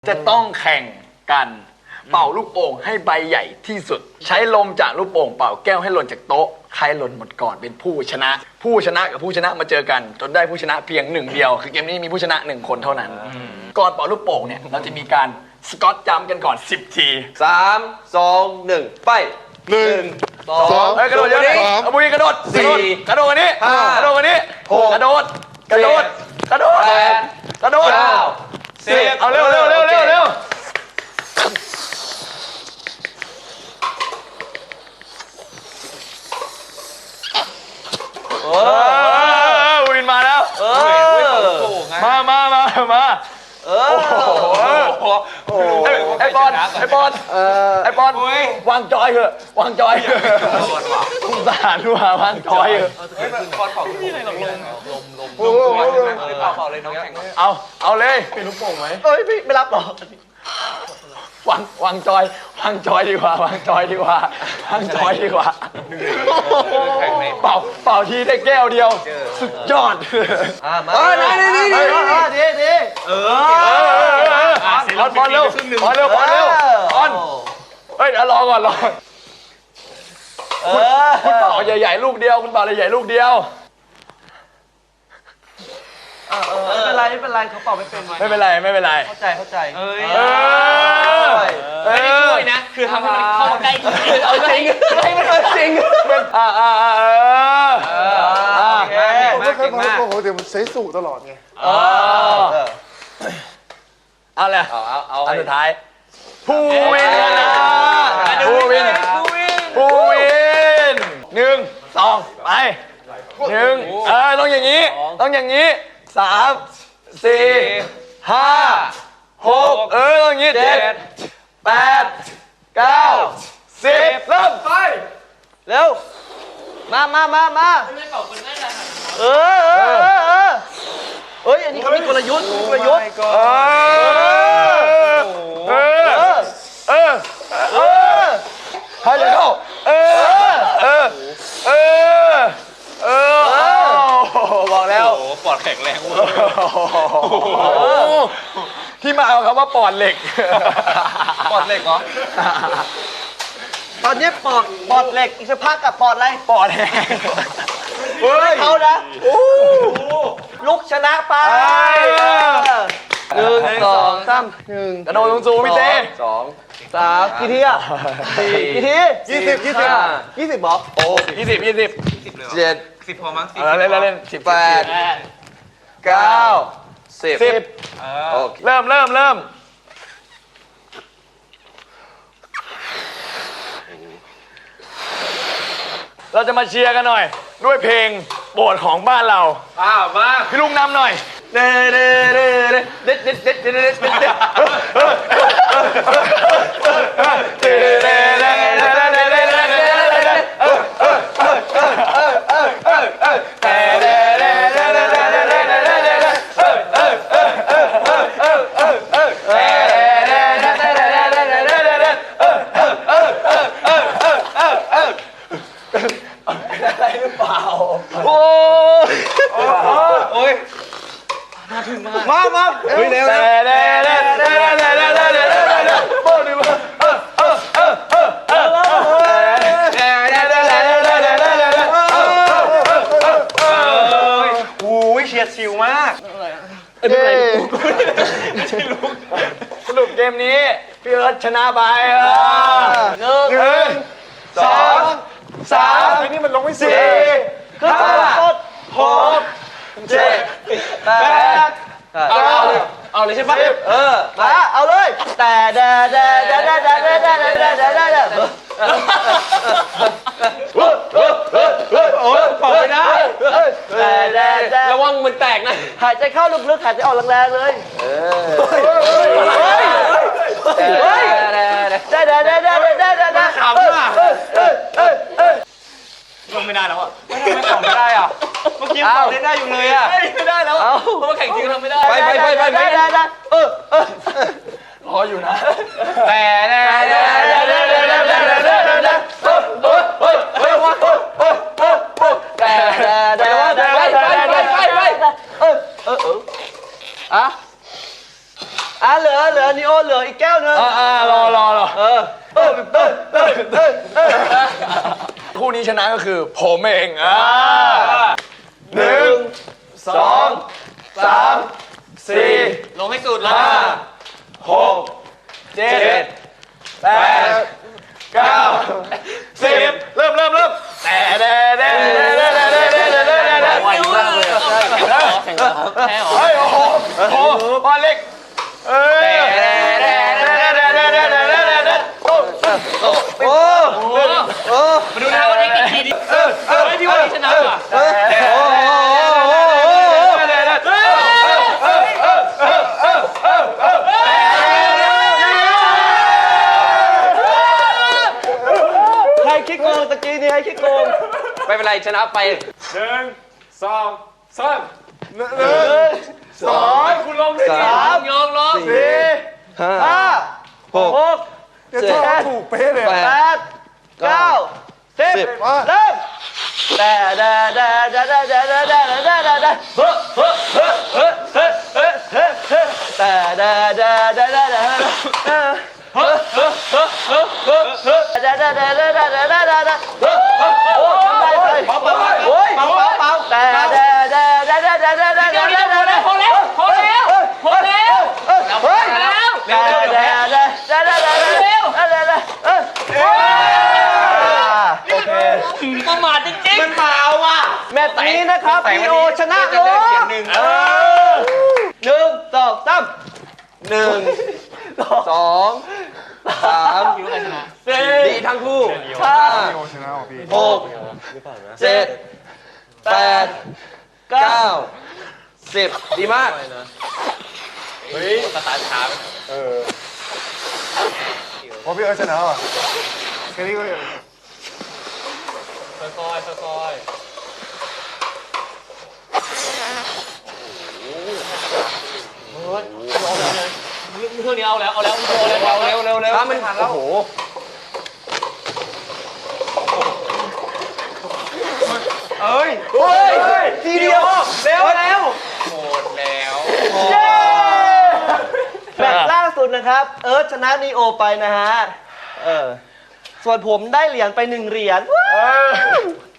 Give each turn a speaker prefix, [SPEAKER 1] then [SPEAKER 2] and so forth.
[SPEAKER 1] จะต้องแข่งกันเป่าลูกโป่งให้ใบใหญ่ที่สุดใช้ลมจากลูกโป่งเป่าแก้วให้หล่นจากโต๊ะใครหล่นหมดก่อนเป็นผู้ชนะผู้ชนะกับผู้ชนะมาเจอกันจนได้ผู้ชนะเพียงหนึ่งเดียวคือเกมนี้มีผู้ชนะ1คนเท่านั้นก่อนเป่าลูกโป่งเนี่ยเราจะมีการสกอตจัมป์กันก่อน10 ที
[SPEAKER 2] 3 2 1ไป
[SPEAKER 3] 1 2
[SPEAKER 1] กระโดดเยอะเลยเอาบุยกระโดดกระโดดกันนี้กระโดดกันนี้กระโดดกระโดดกระโดดกระโดด10เอาเร็ววินมาแล้วมาไอ้บอลวางจอยเถอะวางจอยคุณสารว่าวางจอยเถอะเอาเลยเป็นลูกโป่งไหม
[SPEAKER 2] เอ้ยไม่รับหรอ
[SPEAKER 1] วางจอยวางจอยดีกว่าวางจอยดีกว่าเป่าทีได้แก้วเดียวสุดยอด
[SPEAKER 2] มาดี
[SPEAKER 1] บอลเร็วเฮ้ยรอก่อนคุณเป่าใหญ่ๆลูกเดียวคุณเป่าใหญ่ๆลูกเดียว
[SPEAKER 2] ไม่เป็นไรเขาเป่าไม่เป็น
[SPEAKER 1] ไม่เป็นไร
[SPEAKER 2] เข้าใจ
[SPEAKER 4] ไม่ได้ช่วยนะคือทำให้มันเข้าใกล้
[SPEAKER 2] เอาจริงให้มันจริง
[SPEAKER 3] ผมไม่เคยพอโกหกแต่มันใช้สูตรตลอดไง
[SPEAKER 1] เอาเลยอันสุดท้ายผู้วินนะผู้วิน1 2ไป1ต้องอย่างนี้3 4 5 6ต้องอย่างนี้7 8 9 10เริ่มไป
[SPEAKER 2] เร็วมา
[SPEAKER 4] ไม่เป่าคนได้เลย
[SPEAKER 2] เอ้ยอันนี้เขามีกลยุทธ์
[SPEAKER 1] ให้เลยเข้าบอกแล้ว
[SPEAKER 4] ปอดแข็งแรง
[SPEAKER 1] ที่มาเอาคำว่าปอดเหล็ก
[SPEAKER 2] เหรอตอนนี้ปอดเหล็กอีกสักพักกับปอดอะไร
[SPEAKER 1] ปอดแห้ง
[SPEAKER 2] เขานะลุกชนะไป1 2 3 1
[SPEAKER 1] กระโดดสูงพี่เต้
[SPEAKER 2] 2 3กี่ทีอ่ะ4กี่ที20บอก
[SPEAKER 1] โอ้20
[SPEAKER 4] เลย10พอมั้ง
[SPEAKER 1] 10เล่น
[SPEAKER 2] 18 9 10
[SPEAKER 1] โอเคเริ่มเราจะมาเชียร์กันหน่อยด้วยเพลงโปรดของบ้านเรา
[SPEAKER 4] มา
[SPEAKER 1] พี่ลุงนำหน่อยเอะไรหรือเปล่า
[SPEAKER 2] โอ้ยน่าถึงมาเฮ้ยเร็วเฉียดชิวมาก
[SPEAKER 1] สรุปเกมนี้พี่เอิร์ธชนะไป1 2 3นี่มันลงไม่4 5 6 7 8
[SPEAKER 2] เอาเลยใช่ปะมาเอาเลยแต่
[SPEAKER 4] โอ้ยเป่าไม่ได้ระวังมันแตกนะ
[SPEAKER 2] หายใจเข้าลึกๆหายใจออกแรงๆเลยได้
[SPEAKER 4] ขำอ่ะลงไม่ได้แล้วอ่ะไม่ขำไม่ได้อ่ะเมื่อกี้ขำได้อยู่เลยอ่ะไม่ได้แล้วเพราะว่าแข่งจริงทำไม่ได้
[SPEAKER 2] ไป
[SPEAKER 1] รออยู่นะ
[SPEAKER 4] แต่
[SPEAKER 2] เหลือนีโอเหลืออีกแก้วนึง
[SPEAKER 1] รอ
[SPEAKER 2] เ
[SPEAKER 1] คู่นี้ชนะก็คือผมเอง1 2 3 4
[SPEAKER 4] ลงให้สุดเลย
[SPEAKER 1] 6 7 8 9 10เริ่ม
[SPEAKER 4] ไวมากเลยแข่งแล้วครับแพ้หรอ
[SPEAKER 1] เฮ้ยโอ้โหบอลเล็ก
[SPEAKER 4] มาดูนะวันนี้กี่ทีดิพี่ว่าชนะว่ะ
[SPEAKER 2] ใครคิดโกงตะกี้นี่ให้คิดโกง
[SPEAKER 4] ไม่เป็นไรชนะไป
[SPEAKER 1] คุณลงดิ
[SPEAKER 4] ยองลง
[SPEAKER 2] ห้าหก
[SPEAKER 3] เดี๋ยวชอบถูกเป๊ะเลย
[SPEAKER 2] แปดเก้าสิบ
[SPEAKER 3] มา
[SPEAKER 2] เริ่มแต่
[SPEAKER 4] ประมาทจริงๆมันเมาว่ะ
[SPEAKER 2] แมตช์นี้นะครับพีโอชนะ
[SPEAKER 4] จะ
[SPEAKER 2] โอ้
[SPEAKER 4] เล่นเสียงหนึ่ง
[SPEAKER 2] 1 2 3 1 2 3
[SPEAKER 4] คิดว่าใครชนะ
[SPEAKER 2] 4
[SPEAKER 4] ดีทั้งคู่
[SPEAKER 3] โอชนะของพี่
[SPEAKER 2] 6 7 8 9 10ดีมาก
[SPEAKER 4] สตาร์ทช้า
[SPEAKER 3] พอพี่เอิร์ธชนะว่ะแค่นี้ก็
[SPEAKER 4] ค่อยเครื่องนี้เอาแล้วเร็ว
[SPEAKER 2] มันโอ้โหเฮ้ยทีเดียวเร็ว
[SPEAKER 4] หมดแล้ว
[SPEAKER 2] แมตช์ล่าสุดนะครับ เอิร์ธชนะนีโอไปนะฮะส่วนผมได้เหรียญไป1 เหรียญ